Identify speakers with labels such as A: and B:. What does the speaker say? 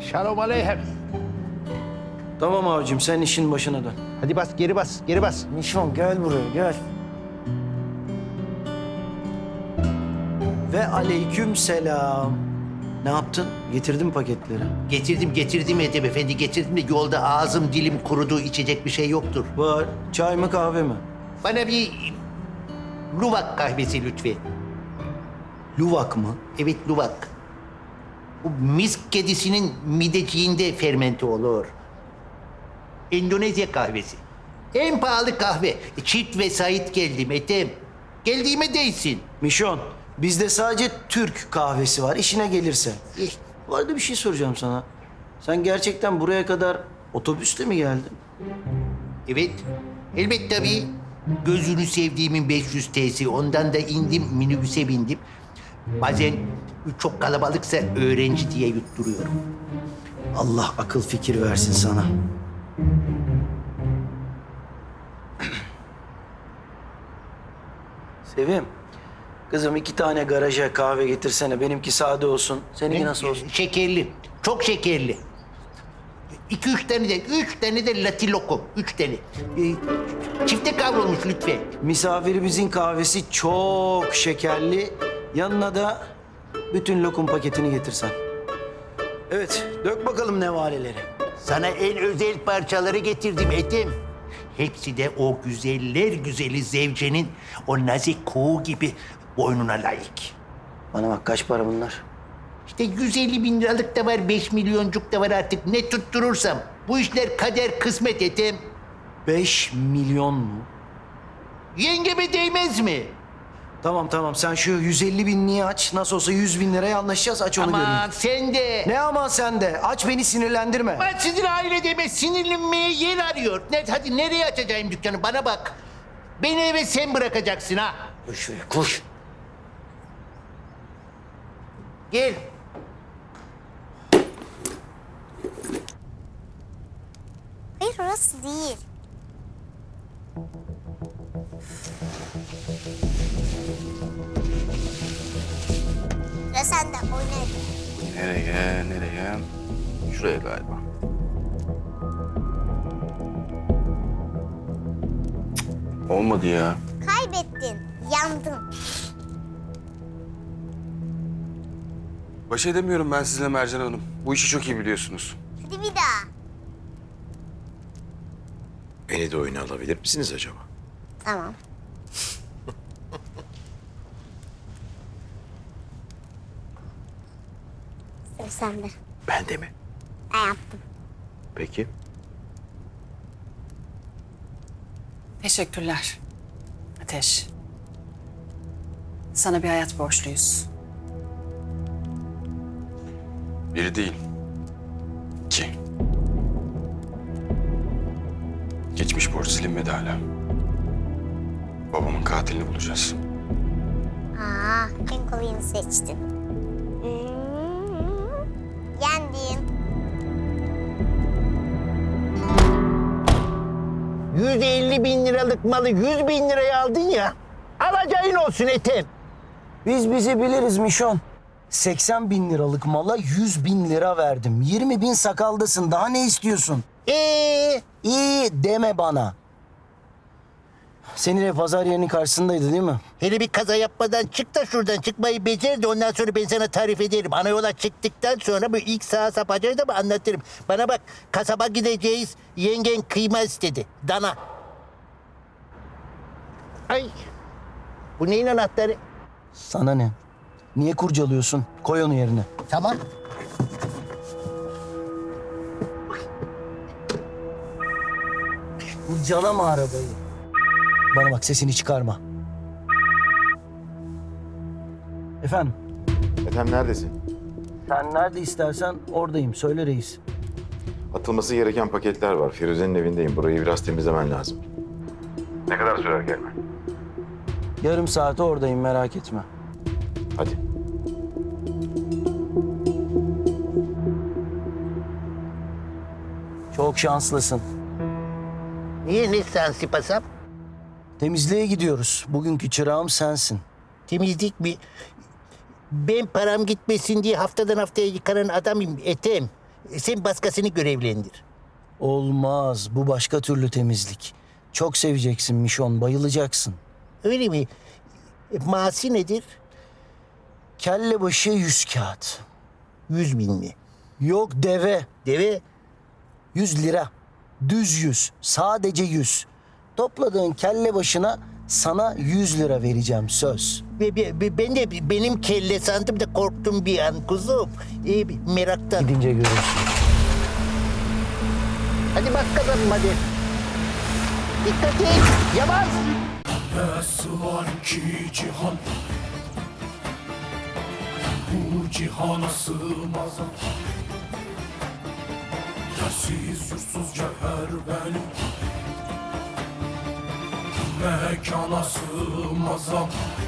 A: Şalom aleyhem.
B: Tamam abicim, sen işin başına dön.
A: Hadi bas, geri bas, geri bas.
B: Nişan gel buraya, gel. Ve aleyküm selam. Ne yaptın? Getirdin mi paketleri?
C: Getirdim Edip Efendi, getirdim de yolda ağzım dilim kurudu, içecek bir şey yoktur.
B: Var. Çay mı kahve mi?
C: Bana bir Luwak kahvesi lütfen.
B: Luvak mı?
C: Evet, Luwak. Bu misk kedisinin mideciğinde fermente olur. Endonezya kahvesi. En pahalı kahve. Çift vesait geldim Ethem. Geldiğime değsin.
B: Mişon, bizde sadece Türk kahvesi var, işine gelirse.
C: Eh,
B: Bu arada bir şey soracağım sana. Sen gerçekten buraya kadar otobüsle mi geldin?
C: Evet. Elbet tabii. Gözünü sevdiğimin 500 T'si. Ondan da indim, minibüse bindim. Bazen çok kalabalıksa öğrenci diye yutturuyorum.
B: Allah akıl fikir versin sana. Sevim, kızım 2 tane garaja kahve getirsene. Benimki sade olsun. Seninki nasıl olsun?
C: Şekerli. Çok şekerli. 3 tane de latilokum. 3 tane. Çifte kavrulmuş lütfen.
B: Misafirimizin kahvesi çok şekerli. Yanına da bütün lokum paketini getirsen. Evet, dök bakalım nevaleleri.
C: Sana en özel parçaları getirdim Ethem. Hepsi de o güzeller güzeli zevcenin o nazik kuğu gibi boynuna layık.
B: Bana bak, kaç para bunlar?
C: İşte 150 bin liralık da var, 5 milyoncuk da var artık. Ne tutturursam. Bu işler kader kısmet Ethem.
B: 5 milyon mu?
C: Yengeme değmez mi?
B: Tamam, sen şu 150 binliği aç. Nasıl olsa 100 bin liraya anlaşacağız. Aç onu göreyim.
C: Aman sen de.
B: Ne aman sen de? Aç, beni sinirlendirme.
C: Ben sizin ailede sinirlenmeye yer arıyor. Hadi nereye açacağım dükkanı, bana bak. Beni eve sen bırakacaksın ha.
B: Koş şuraya, koş.
C: Gel.
D: Hayır orası değil. Sıra sende oyna.
E: Nereye? Şuraya galiba. Cık, olmadı ya.
D: Kaybettin. Yandın.
E: Baş edemiyorum ben sizinle Mercan Hanım. Bu işi çok iyi biliyorsunuz.
D: Hadi bir daha.
F: Beni de oyuna alabilir misiniz acaba?
D: Tamam. Sıra sende.
F: Ben de mi?
D: Ben yaptım.
F: Peki.
G: Teşekkürler. Ateş. Sana bir hayat borçluyuz.
E: Biri değil. 2. Geçmiş borç silinmedi hala. Babamın katilini bulacağız.
D: Aa, en kolayını seçtin. Yendin.
C: 150 bin liralık malı 100 bin liraya aldın ya. Alacağın olsun Ethem.
B: Biz bizi biliriz Mişon. 80 bin liralık mala 100 bin lira verdim. 20 bin sakaldasın. Daha ne istiyorsun? İyi deme bana. Senin ev pazar yerinin karşısındaydı değil mi?
C: Hele bir kaza yapmadan çık da şuradan, çıkmayı becer de ondan sonra ben sana tarif ederim. Ana yola çıktıktan sonra bu ilk sağa sapacağız da anlatırım. Bana bak, kasaba gideceğiz, yengen kıyma istedi, dana. Ay, bu neyin anahtarı?
B: Sana ne? Niye kurcalıyorsun? Koy onu yerine.
C: Tamam.
B: Kurcalama arabayı. Bana bak, sesini çıkarma. Efendim?
F: Ethem neredesin?
B: Sen nerede istersen oradayım. Söyle reis.
F: Atılması gereken paketler var. Firuze'nin evindeyim. Burayı biraz temizlemen lazım. Ne kadar sürer gelme?
B: Yarım saate oradayım, merak etme.
F: Hadi.
B: Çok şanslısın.
C: Niye ne sensi pasap?
B: Temizliğe gidiyoruz. Bugünkü çırağım sensin.
C: Temizlik mi? Ben param gitmesin diye haftadan haftaya yıkanan adamım Ethem. Sen başkasını görevlendir.
B: Olmaz. Bu başka türlü temizlik. Çok seveceksin Mişon. Bayılacaksın.
C: Öyle mi? Maaşı nedir?
B: Kelle başı 100 kağıt.
C: 100 bin mi?
B: Yok deve.
C: Deve
B: 100 lira. Düz 100. Sadece 100. Topladığın kelle başına sana 100 lira vereceğim söz.
C: ben de benim kelle sandım da korktum bir an kuzum. Meraktan.
B: Gidince görürsün.
C: Hadi bak kazanım hadi. Dikkat et. Yavaş.
A: Nasıl var ki cihan, bu cihana sığmaz. Yersiz yursuz cevher benim, mekana sığmaz.